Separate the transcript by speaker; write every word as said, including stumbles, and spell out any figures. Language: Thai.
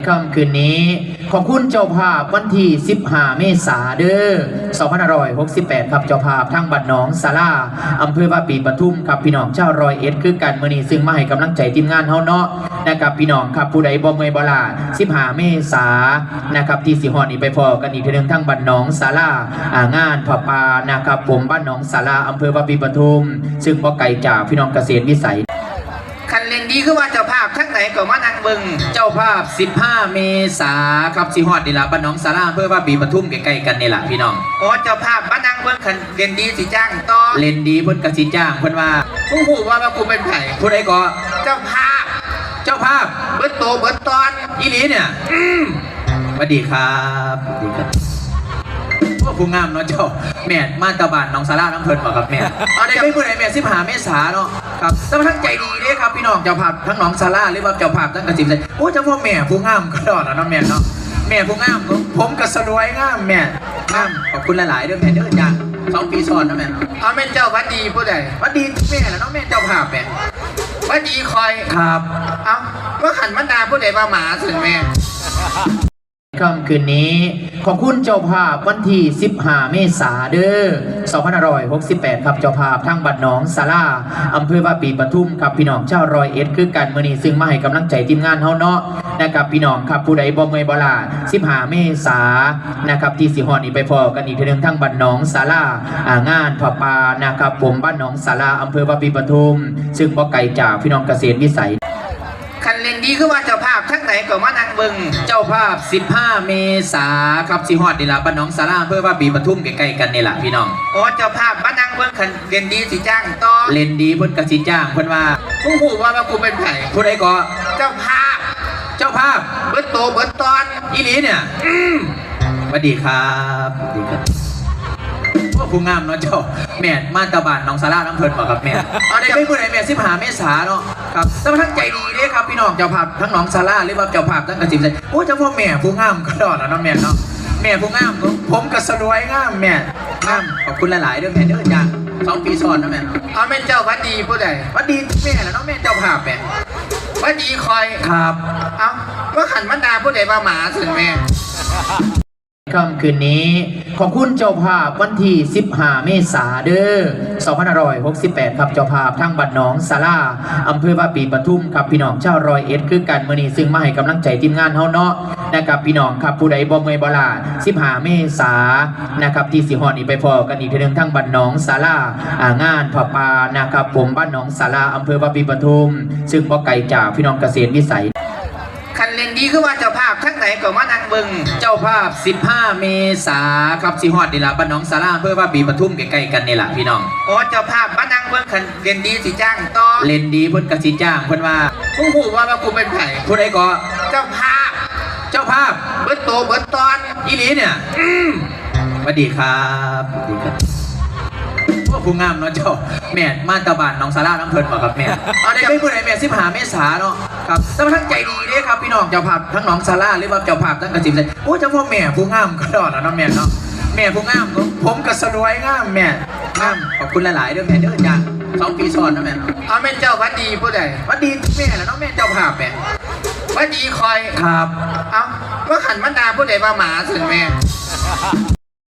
Speaker 1: ค่ำคืนนี้ขอบคุณเจ้าภาพวันที่สิบห้าเมษายนเด้อสองพันห้าร้อยหกสิบแปดครับเจ้าภาพทั้งบ้านหนองสาราอำเภอวาปีปทุมครับพี่น้องชาวร้อยเอ็ดคือกันมื้อนี้ซึ่งมาให้กำลังใจทีมงานเฮาเนาะนะครับพี่น้องครับผู้ใดบ่เมื่อยบ่ล้าสิบห้าเมษายนนะครับที่สิฮอดนี่ไปพอกันอีกทีนึงทั้งบ้านหนองสาราอ่างานผ้าป่านะครับผมบ้านหนองสาราอำเภอวาปีปทุมซึ่งบ่ไกลจากพี่น้องเกษตรวิสัยคันเล่นดีคือว่าเจ้าภาพทั้งไหนก็มานั่งเบิ่งเจ้าภาพสิบห้าเมษาครับสิฮอดนี่ล่ะบ้านหนองสาราอำเภอวาปีปทุมใกล้ๆกันนี่ล่ะพี่น้องโอ้เจ้าภาพมานั่งเบิ่งคันเล่นดีสิจ้างต่อเล่นดีเพิ่นก็สิจ้างเพิ่นว่าผู้ฮู้ว่าว่ากูเป็นไผผู้ใดก็เจ้าภาพเจ้าภาพเบิดโตเบิดตอนอีหลีเนี่ยอืมสวัสดีครับสวัสดีครับพวกผู้งามเนาะเจ้าแม่มาตะบานน้องสาราน้ำเพลินบอกกับแม่เอาได้ไม่พูดไหนแม่สิบหาเมษาเนาะครับแต่ทั้งใจดีเด้ครับพี่น้องเจ้าภาพทั้งน้องสาราหรือว่าเจ้าภาพทั้งกระจิบใจโอ้เจ้าพ่อแม่ผู้งามก็ดอดนะแม่เนาะแม่ผู้งามผมก็สวยงามแม่งามขอบคุณหลายๆด้วยแม่เด้อจ้าสองปีซ้อนนะแม่เอาแม่เจ้าวัดดีผู้ใดวัดดีแม่แล้วน้องแม่เจ้าภาพแม่วัดดีคอยครับเอาเมื่อขันมันดาผู้ใดมาหมาถึงแม่ค่ำคืนนี้ขอบคุณเจ้าภาพวันที่สิบห้าเมษายนเด้อสองพันห้าร้อยหกสิบแปดครับเจ้าภาพทั้งบ้านหนองสาราอำเภอวาปีปทุมครับพี่น้องชาวร้อยเอ็ดคือกันมื้อนี้ซึ่งมาให้กำลังใจทีมงานเฮาเนาะนะครับพี่น้องครับผู้ใดบ่เมื่อยบ่ล้าสิบห้าเมษายนนะครับที่สิฮอดนี่ไปพอกันอีกทีนึงทั้งบ้านหนองสาราอ่างานผ้าป่านะครับผมบ้านหนองสาราอำเภอวาปีปทุมซึ่งบ่ไกลจากพี่น้องเกษตรวิสัยคันเล่นดีคือว่าเจ้าภาพทั้งไหนก็มานั่งเบิ่งเจ้าภาพสิบห้าเมษายนครับสิฮอดนี่ล่ะบ้านหนองสาราอำเภอวาปีปทุมใกล้ๆกันนี่ล่ะพี่น้องโอ้เจ้าภาพมานั่งเบิ่งคันเล่นดีสิจ้างต่อเล่นดีเพิ่นก็สิจ้างเพิ่นว่าผู้ฮู้ว่าว่ากูเป็นไผผู้ใดก็เจ้าภาพเจ้าภาพเบิดโตเบิดตอนอีหลีเนี่ยอืมสวัสดีครับสวัสดีครับพวกผู้งามเนาะเจ้าแม่มาตะบานน้องสาราน้ำเพลินบอกกับแม่เอาได้ไม่พูดไหนแม่สิบหาเมษาเนาะครับแต่ทั้งใจดีเด้ครับพี่น้องเจ้าภาพทั้งน้องสาราหรือว่าเจ้าภาพทั้งกระจิบใจโอ้เจ้าพ่อแม่ผู้งามก็ดอดนะน้องแม่เนาะแม่ผู้งามผมก็สวยงามแม่งามขอบคุณหลายๆด้วยแม่เด้อจ้าสองปีซ้อนนะแม่เอาแม่เจ้าวัดดีผู้ใดวัดดีแม่แล้วน้องแม่เจ้าภาพแม่วัดดีคอยครับเอาเมื่อขันมันดาผู้ใดมาหมาถึงแม่ค่ำคืนนี้ขอบคุณเจ้าภาพวันที่สิบห้าเมษายนเด้อสองพันห้าร้อยหกสิบแปดครับเจ้าภาพทั้งบ้านหนองสาราอำเภอวาปีปทุมครับพี่น้องชาวร้อยเอ็ดคือกันมื้อนี้ซึ่งมาให้กำลังใจทีมงานเฮาเนาะนะครับพี่น้องครับผู้ใดบ่เมื่อยบ่ล้าสิบห้าเมษายนนะครับที่สิฮอดนี่ไปพอกันอีกทีนึงทั้งบ้านหนองสาราอ่างานผ้าป่านะครับผมบ้านหนองสาราอำเภอวาปีปทุมซึ่งบ่ไกลจากพี่น้องเกษตรวิสัยคันเล่นดีคือว่าเจ้าภาพทั้งไหนก็มานั่งเบิ่งเจ้าภาพสิบห้าเมษายนครับสิฮอดนี่ล่ะบ้านหนองสาราอำเภอวาปีปทุมใกล้ๆกันนี่ล่ะพี่น้องโอ้เจ้าภาพมานั่งเบิ่งคันเล่นดีสิจ้างต่อเล่นดีเพิ่นก็สิจ้างเพิ่นว่าผู้ฮู้ว่าว่ากูเป็นไผผู้ใดก็เจ้าภาพเจ้าภาพเบิดโตเบิดตอนอีหลีเนี่ยอืมสวัสดีครับสวัสดีครับพวกผู้งามเนาะเจ้าแม่มาตะบานน้องสาราน้ำเพลินบอกกับแม่เอาได้ไม่พูดไหนแม่สิบหาเมษาเนาะครับแต่ทั้งใจดีเด้ครับพี่น้องเจ้าภาพทั้งน้องสาราหรือว่าเจ้าภาพทั้งกระจิบใจโอ้เจ้าพ่อแม่ผู้งามก็ดอดนะน้องแม่เนาะแม่ผู้งามผมก็สวยงามแม่งามขอบคุณหลายๆด้วยแม่เด้อจ้าสองปีซ้อนนะแม่เอาแม่เจ้าวัดดีผู้ใดวัดดีแม่แล้วน้องแม่เจ้าภาพแม่วัดดีคอยครับเอาเมื่อขันมันดาผู้ใดมาหมาถึงแม่